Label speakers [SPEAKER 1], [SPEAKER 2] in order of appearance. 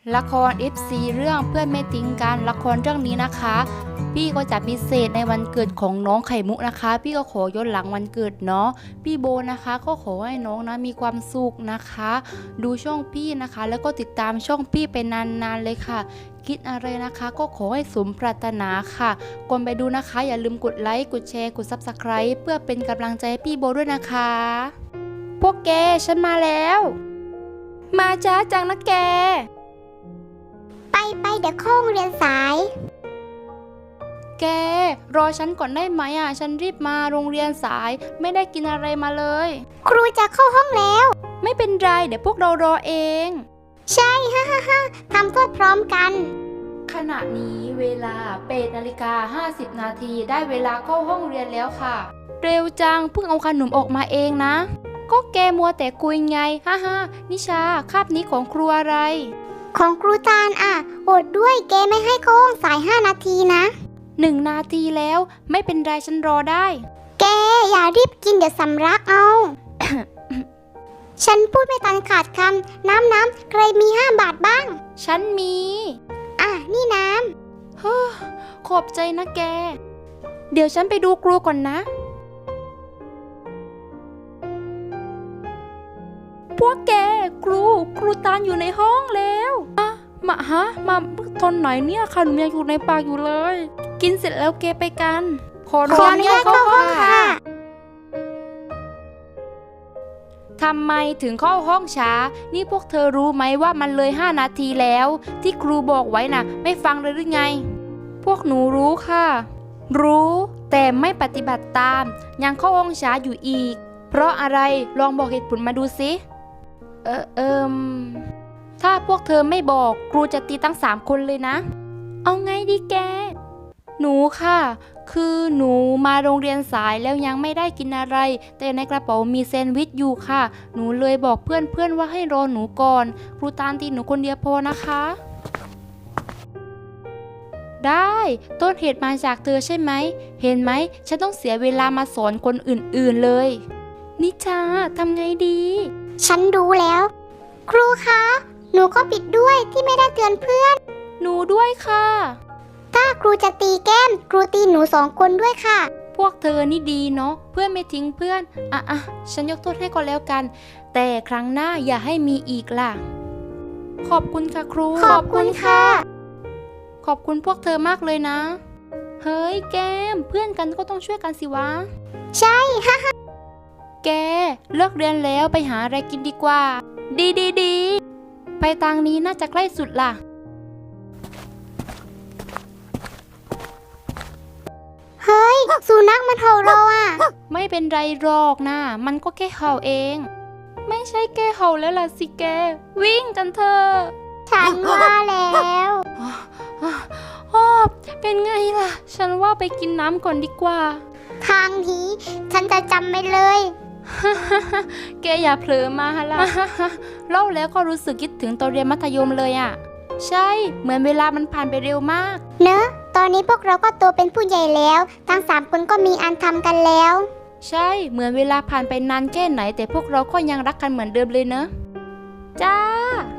[SPEAKER 1] ละคร FC เรื่องเพื่อนไม่ทิ้งกันละครเรื่องนี้นะคะ พี่ก็จะพิเศษในวันเกิดของน้องไข่มุกนะคะ พี่ก็ขอย้อนหลังวันเกิดเนาะพี่โบนะคะก็ขอให้น้องนะมีความสุขนะคะ ดูช่องพี่นะคะ แล้วก็ติดตามช่องพี่ไปนานๆเลยค่ะ คิดอะไรนะคะก็ขอให้สมปรารถนาค่ะก่อนไปดูนะคะอย่าลืมกดไลค์กดแชร์กด Subscribe เพื่อเป็นกำลังใจให้พี่โบด้วยนะคะพวกแกฉันมาแล้วมาจ้าจังนะแก
[SPEAKER 2] ไปเดี๋ยวเข้าโรงเรียนสาย
[SPEAKER 1] แกรอฉันก่อนได้ไหมฉันรีบมาโรงเรียนสายไม่ได้กินอะไรมาเลย
[SPEAKER 2] ครูจะเข้าห้องแล้ว
[SPEAKER 1] ไม่เป็นไรเดี๋ยวพวกเรารอเอง
[SPEAKER 2] ใช่ฮ่าทำโทษพร้อมกัน
[SPEAKER 1] ขณะนี้เวลา8:50 นาทีได้เวลาเข้าห้องเรียนแล้วค่ะเร็วจังเพิ่งเอาขนมออกมาเองนะก็แกมัวแต่คุยไงนิชาคาบนี้ของครูอะไร
[SPEAKER 2] ของครูตาลอดด้วยแกไม่ให้เข้าห้องสาย5 นาทีนะ
[SPEAKER 1] 1 นาทีแล้วไม่เป็นไรฉันรอได้
[SPEAKER 2] แกอย่ารีบกินเดี๋ยวสำลักเอา ฉันพูดไม่ทันขาดคำน้ำใครมี5 บาทบ้าง
[SPEAKER 1] ฉันมี
[SPEAKER 2] นี่น้
[SPEAKER 1] ขอบใจนะแกเดี๋ยวฉันไปดูครูก่อนนะพวกแกครูตาลอยู่ในห้องแล้วมาตอนไหนเนี่ยขนมยังอยู่ในปากอยู่เลยกินเสร็จแล้วแกไปกันขออนุญาตเข้าห้องค่ะทำไมถึงเข้าห้องช้านี่พวกเธอรู้ไหมว่ามันเลย5 นาทีแล้วที่ครูบอกไว้น่ะไม่ฟังเลยหรือไงพวกหนูรู้ค่ะรู้แต่ไม่ปฏิบัติตามยังเข้าห้องช้าอยู่อีกเพราะอะไรลองบอกเหตุผลมาดูสิถ้าพวกเธอไม่บอกครูจะตีทั้ง3 คนเลยนะเอาไงดีแกหนูค่ะคือหนูมาโรงเรียนสายแล้วยังไม่ได้กินอะไรแต่ในกระเป๋ามีแซนด์วิชอยู่ค่ะหนูเลยบอกเพื่อนว่าให้รอหนูก่อนครูตาลตีหนูคนเดียวพอนะคะได้ต้นเหตุมาจากเธอใช่ไหมเห็นไหมฉันต้องเสียเวลามาสอนคนอื่นๆเลยนิชาทำไงดี
[SPEAKER 2] ฉันรู้แล้วครูคะหนูก็ผิดด้วยที่ไม่ได้เตือนเพื่อน
[SPEAKER 1] หนูด้วยค่ะ
[SPEAKER 2] ถ้าครูจะตีแก้มครูตีหนู2 คนด้วยค่ะ
[SPEAKER 1] พวกเธอนี่ดีเนาะเพื่อนไม่ทิ้งเพื่อนฉันยกโทษให้ก็แล้วกันแต่ครั้งหน้าอย่าให้มีอีกล่ะขอบคุณค่ะครู
[SPEAKER 2] ขอบคุณค่ะ
[SPEAKER 1] ขอบคุณพวกเธอมากเลยนะเฮ้ยแก้มเพื่อนกันก็ต้องช่วยกันสิวะ
[SPEAKER 2] ใช่
[SPEAKER 1] แกเลิกเรียนแล้วไปหาอะไรกินดีกว่าดีไปทางนี้น่าจะใกล้สุดล่ะ
[SPEAKER 2] เฮ้ยสุนัขมันเห่าเรา
[SPEAKER 1] ไม่เป็นไรหรอกนะมันก็แค่เห่าเองไม่ใช่แค่เห่าแล้วล่ะสิแกวิ่งกันเถอะ
[SPEAKER 2] ฉันว่าแล้ว
[SPEAKER 1] เป็นไงล่ะฉันว่าไปกินน้ำก่อนดีกว่า
[SPEAKER 2] ทางนี้ฉันจะจำไม่เลย
[SPEAKER 1] แกอย่าเผลอมาล่ะ เล่าแล้วก็รู้สึกคิดถึงตอนเรียนมัธยมเลยใช่เหมือนเวลามันผ่านไปเร็วมาก
[SPEAKER 2] เนอะตอนนี้พวกเราก็โตเป็นผู้ใหญ่แล้วทั้ง3 คนก็มีอันทำกันแล้ว
[SPEAKER 1] ใช่เหมือนเวลาผ่านไปนานแค่ไหนแต่พวกเราก็ยังรักกันเหมือนเดิมเลยเนอะจ้า